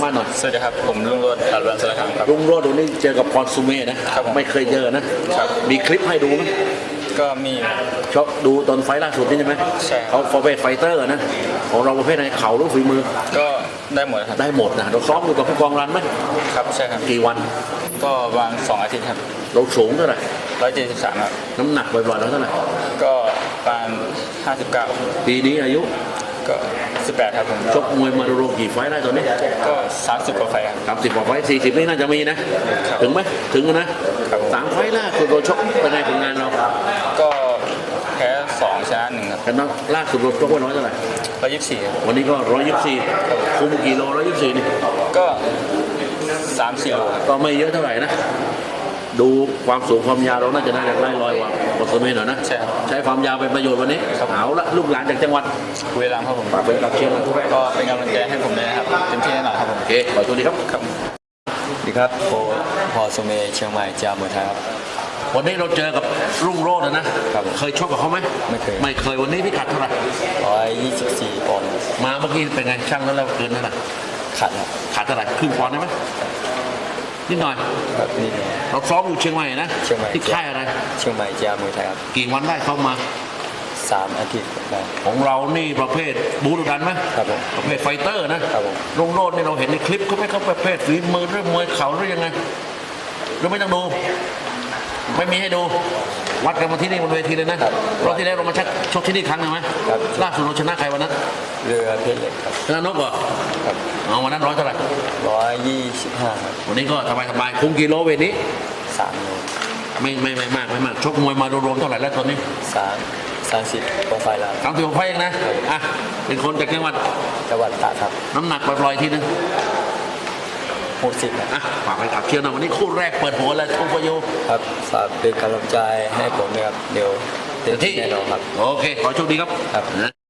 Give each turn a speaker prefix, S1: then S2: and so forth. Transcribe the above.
S1: มาหน่อย
S2: สวัสดีครับผมรุ่งโรจน์การวันสารคามครับ
S1: รุ่งโรจน์ดูนี่เจอกับพรสุเมธนะครับไม่เคยเจอนะครับมีคลิปให้ดูไหม
S2: ก็มี
S1: ชอบดูตอนไฟล่าสุดนี่ใช่ไหม
S2: ใช่
S1: เขาประเภทไฟเตอร์นะของเราประเภทไหนเข่าหรือฝีมือ
S2: ก็ได้หมดครับ
S1: ได้หมดนะเราซ้อมอยู่กับผู้กองรันไหม
S2: ครับใช่ครับ
S1: กี่วัน
S2: ก็วาง2 อาทิตย์ครับ
S1: เราสูงเท่าไหร่
S2: 173ครับ
S1: น้ำหนักบ่อยๆแล้วเท่าไหร่
S2: ก็ประมาณ59
S1: ปีนี้อายุ
S2: ก็18ครับผม
S1: ชกมวยมาโรกี่ไฟได้ตอนนี้
S2: ก็30 กว่าไฟครับ
S1: 30 กว่าไฟ40นี่น่าจะมีนะถึงไหมถึงนะ3 ไฟล่าสุดเราชกเป็นไงผลงานเรา
S2: ก็แพ้2ชนะ1ครับ
S1: กันล่าสุดเราชกไว้ร้อยเท่าไหร่
S2: 124
S1: วันนี้ก็124คุมกี่โล124นี่
S2: ก็3-4 โล
S1: ก็ไม่เยอะเท่าไหร่นะดูความสูงความยาวเราน่าจะได้ไล่ลอยกว่าบทสมัยหน่อยนะใช้ความยาวเป็นประโยชน์วันนี้เอาละลูกหลานจากจังหวัด
S2: บุรีรัมย์ครับผม
S1: ฝากเป็นกำลังเชียร์
S2: ก็เป็นกำลังใจให้ผมด้วยนะครับเต็มที่แน่นอนครับผม
S1: โอเคขอตัวดีครับ
S2: สวัสดีครับพอสมเด็จเชียงใหม่จามวยไทยครับ
S1: วันนี้เราเจอกับรุ่งโรจน์นะครับเคยชกกับเขาไหม
S2: ไม่เคย
S1: วันนี้พิกัดเท่าไหร่
S2: 124 ปอนด์
S1: มาเมื่อกี้เป็นไงช่างแล้วเราเกินเท่าไหร่ขาดเท่าไหร่ครึ่งปอนด์ได้ไหมนิดหน่อยเราซ้อมอยู่เชียงใหม่นะที่ค่ายอะไร
S2: เชียงใหม่จามวยไทยครับ
S1: กี่วันได้เข้ามา
S2: 3 อาทิตย์
S1: ของเรานี่ประเภทบูรุดันไหม
S2: ครับผม
S1: ประเภทไฟเตอร์นะครับผมรุ่งโรจน์นี่เราเห็นในคลิปเขาไม่เขาประเภทฝีมือหรือมวยเข่าหรือยังไงหรือไม่ต้องดูไม่มีให้ดูวัดกันมาที่นี่บนเวทีเลยนะรอบที่แล้วเรามาชกที่นี่ครั้งหนึ่งไหมล่าสุดเราชนะใครวันนั้น
S2: เรือเพชรเล็กครับ
S1: ชนะนกเหรอ
S2: ครับ
S1: เอาวันนั้นร้อยเท่าไหร่
S2: 125ครับ
S1: วันนี้ก็สบายคุมกิโลเวทนี้
S2: 3 โล
S1: ไม่มากชกมวยมารวมเท่าไหร่แล้วตอนนี้
S2: 30 กว่าไฟแล้ว
S1: 30 กว่าไฟเองนะอ่ะเป็นคนจากจังหวัด
S2: ตากครับ
S1: น้ำหนักปล่อยๆทีนึง
S2: 60
S1: อ่ะฝากไปขับเชียร์นะวันนี้คู่แรกเปิดหัวแล้วทุกประโยชน์
S2: ครับฝากเป็นกำลังใจให้ผมนะครับเดี๋ยวเต็มที่แน่นอนครับ
S1: โอเคขอโชคดีครับ